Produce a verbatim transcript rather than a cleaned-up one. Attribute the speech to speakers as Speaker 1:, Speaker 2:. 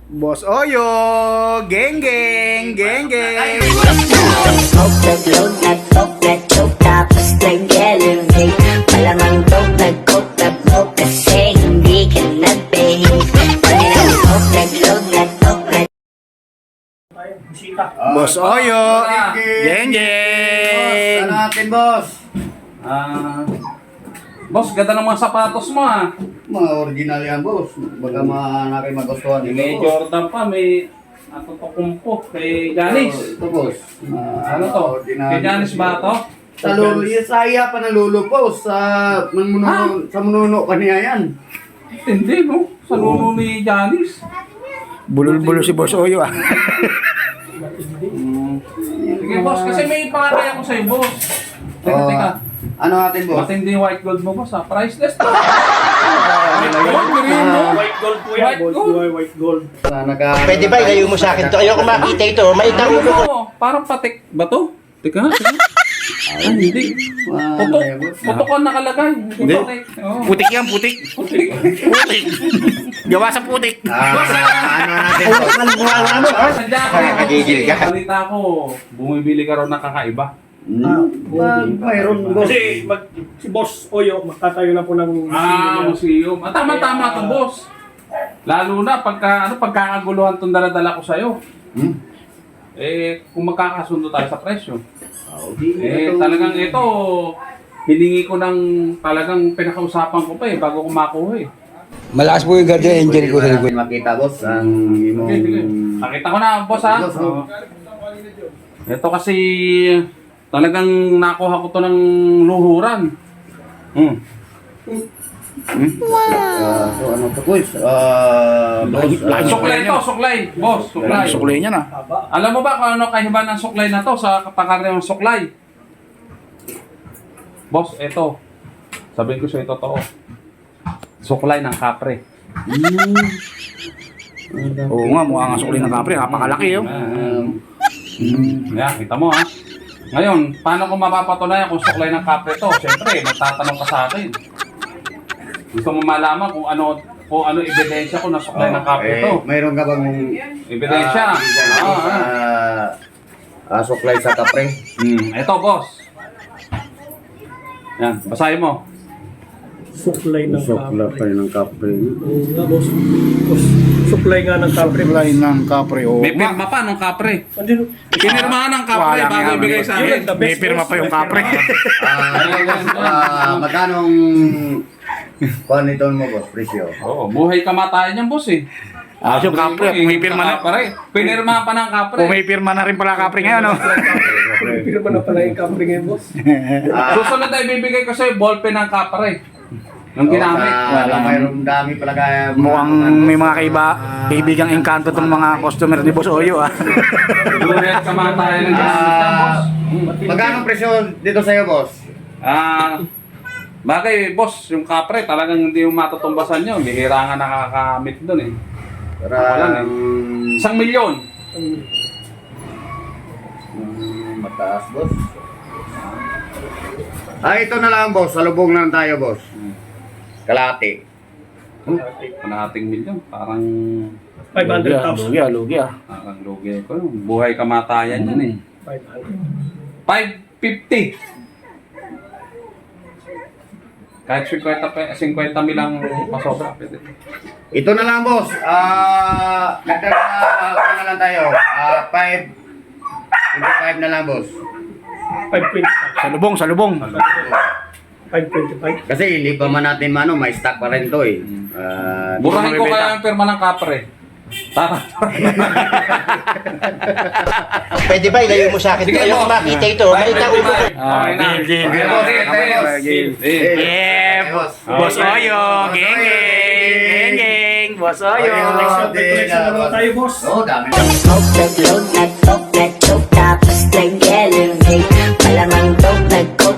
Speaker 1: Boss Oyo, geng geng, geng geng.
Speaker 2: Smoke that load, that coke, that choke, tapos nag-elevate. Malamang dope, nag-coke, nag-coke, kasi hindi ka nag-bake. Pag smoke that load, that coke, that
Speaker 1: Boss Oyo, geng geng.
Speaker 3: Ano natin, boss?
Speaker 4: Ah, boss, ganda ng mga sapatos mo ah.
Speaker 3: Mga original yan, boss. Baga mga nakin magustuhan dito,
Speaker 4: May
Speaker 3: boss.
Speaker 4: Jordan pa, may natutukumpo kay Janice.
Speaker 3: Ito, boss. Ah,
Speaker 4: Ano to?
Speaker 3: original.
Speaker 4: Kay Janice ba to?
Speaker 3: Sa lulo, yung saya pa ng lulo, boss. Sa, manuno, sa manuno kaniya yan.
Speaker 4: Hindi no, sa lulo ni Janice.
Speaker 1: Bulol-bulol si Boss Oyo ah.
Speaker 4: Sige boss, kasi may pangalay ako sa'yo boss. Teka,
Speaker 3: Oh,
Speaker 4: teka.
Speaker 3: ano natin, boss?
Speaker 4: Matindi yung white gold mo boss ha, priceless to. White gold, green no?
Speaker 5: White gold po yan.
Speaker 4: White gold.
Speaker 5: White gold.
Speaker 3: Na, naka,
Speaker 6: Pwede ba ilayo mo sa akin to? Ayoko makita ito. Maitang
Speaker 4: Ano
Speaker 6: ulo ko.
Speaker 4: mo? Parang patik ba to? Teka, teka. Ah, hindi.
Speaker 3: Ah,
Speaker 4: Putok.
Speaker 3: ano yan, boss?
Speaker 4: Putok ang nakalagay. Hindi patik. Oo.
Speaker 1: Putik yan, putik.
Speaker 4: Putik.
Speaker 1: Putik. Gawa sa putik.
Speaker 3: Ah, ano natin, boss?
Speaker 4: Sadya ko.
Speaker 6: Nakagigil ka.
Speaker 4: Balita ko, bumibili ka raw ng kakaiba.
Speaker 3: Hmm. Ah, mayroon, boss.
Speaker 5: Kasi mag, si Boss Oyo, magtatayo na po ng
Speaker 4: Ah, museum. Ah, tama-tama to, boss. Lalo na pagka, ano, pagkakaguluhan itong daladala ko sa'yo.
Speaker 3: Hmm?
Speaker 4: Eh, kung magkakasundo tayo sa presyo.
Speaker 3: Oh, di,
Speaker 4: Eh,
Speaker 3: ito-
Speaker 4: talagang ito, hiningi ko ng talagang pinakausapan ko pa eh, bago ko makuha eh.
Speaker 6: Malakas po yung guardian angel ko sa likod.
Speaker 3: Makita, boss, ang imong...
Speaker 4: Sige, sige. Nakita ko na, boss ha.
Speaker 3: Boss, oh.
Speaker 4: Ito kasi, talagang nakuha ko to ng luhuran. Hmm.
Speaker 3: Ah, so ano to, boys? Ah, boss, ah,
Speaker 4: Suklay to, suklay. Boss, suklay.
Speaker 1: Suklay niya na.
Speaker 4: Alam mo ba kung ano kahiba ng suklay na to sa pangkaraniwang suklay? Boss, ito. Sabihin ko sa ito totoo. Suklay ng kapre.
Speaker 1: Oo nga, mukha nga suklay ng kapre. Napakalaki yun.
Speaker 3: um,
Speaker 4: Yan, kita mo ha. Ngayon, paano ko mapapatunayan kung suklay ng kapre to? Siyempre, magtatanong ka sa akin. Gusto mo malaman kung ano kung ano ebidensya ko na suklay ng kapre
Speaker 3: eh,
Speaker 4: to.
Speaker 3: mayroon ka bang
Speaker 4: Ebidensya.
Speaker 3: ah, ebidensya
Speaker 4: Ah,
Speaker 3: sa
Speaker 4: ah.
Speaker 3: ah, suklay sa kapre?
Speaker 4: Hmm, ito boss. Yan, basahin mo.
Speaker 5: suklay ng kapre.
Speaker 3: ng kapre.
Speaker 5: Oo nga, boss. Boss, suklay nga ng kapre.
Speaker 1: Suklay ng kapre. Oo
Speaker 4: May
Speaker 1: nga.
Speaker 4: pirma pa ng kapre.
Speaker 5: Andun,
Speaker 4: Pinirmahan ng kapre
Speaker 1: Wala
Speaker 4: bago
Speaker 1: nga,
Speaker 4: ibigay
Speaker 1: may-
Speaker 4: sa
Speaker 5: Yun,
Speaker 4: akin.
Speaker 5: the
Speaker 1: May
Speaker 5: best,
Speaker 1: pirma
Speaker 5: boss.
Speaker 1: pa yung kapre.
Speaker 3: Ah, ah, magkanong kuha nito mo, boss, presyo?
Speaker 4: Oo, buhay kamatayan yan boss eh.
Speaker 1: Ah, so kapre, pumipirma na.
Speaker 4: Kapre. Pinirma pa ng kapre.
Speaker 1: Pumipirma na rin pala kapre ngayon, no?
Speaker 5: Pero ba na pala yung kapre ngayon, boss?
Speaker 3: Ah,
Speaker 4: Susunod na ibibigay ko sa'yo, ballpen ng kapre. Nung
Speaker 3: oh,
Speaker 4: ginamit.
Speaker 3: sa-
Speaker 1: Wala.
Speaker 3: mayroon dami pala kaya...
Speaker 1: Mukhang may mga kaiba, kaibigang engkanto itong mga customer ni Boss Oyo, ah.
Speaker 4: Buhay at kamatayan ng ginamit yan boss.
Speaker 3: Magkano presyo dito sa'yo, boss?
Speaker 4: Ah, bagay boss, yung kapre talagang hindi yung matutumbasan nyo. Bihira nga nakakamit doon eh.
Speaker 3: Para...
Speaker 4: Wala na. Isang milyon.
Speaker 3: Mm, mataas, boss. Ah, ito na lang, boss. Salubong lang tayo, boss. Kalati.
Speaker 4: Kalahating milyon. Parang,
Speaker 5: five hundred
Speaker 1: Lugi,
Speaker 5: thousand.
Speaker 1: ah, lugi, ah.
Speaker 4: parang lugi ko. Buhay kamatayan yan eh.
Speaker 5: five hundred.
Speaker 4: five fifty. Kahit fifty, pe- fifty milang pasobra. Pwede.
Speaker 3: Ito na lang, boss. Ah, nagtara uh, na lang tayo. Ah, five. five na lang, boss.
Speaker 5: five twenty-five.
Speaker 1: Salubong, salubong.
Speaker 5: five twenty-five.
Speaker 3: Kasi hindi pa man natin mano, may stock pa rin to eh. Ah,
Speaker 4: Burahin ko
Speaker 1: mabibenta.
Speaker 4: kaya ang pirma ng kapre. Tara.
Speaker 6: Pwede ba ilayo mo sa akin to?
Speaker 4: Sige,
Speaker 6: Ayoko
Speaker 4: boss.
Speaker 6: makita ito. Maitang ulo ko.
Speaker 1: Ah,
Speaker 4: Okay na.
Speaker 1: deal, deal,
Speaker 4: Okay
Speaker 1: deal.
Speaker 4: na,
Speaker 3: boss.
Speaker 4: okay,
Speaker 3: Okay,
Speaker 4: okay.
Speaker 3: boss.
Speaker 4: Deal.
Speaker 3: Eh,
Speaker 1: Yeah,
Speaker 3: boss.
Speaker 1: Boss Oyo, geng geng, geng geng, Boss Oyo.
Speaker 3: Okay,
Speaker 5: Collection na naman tayo, boss.
Speaker 3: Oh, dami.
Speaker 2: smoke that load, that coke, that choke, tapos nag-elevate. Malamang dope, nag-coke,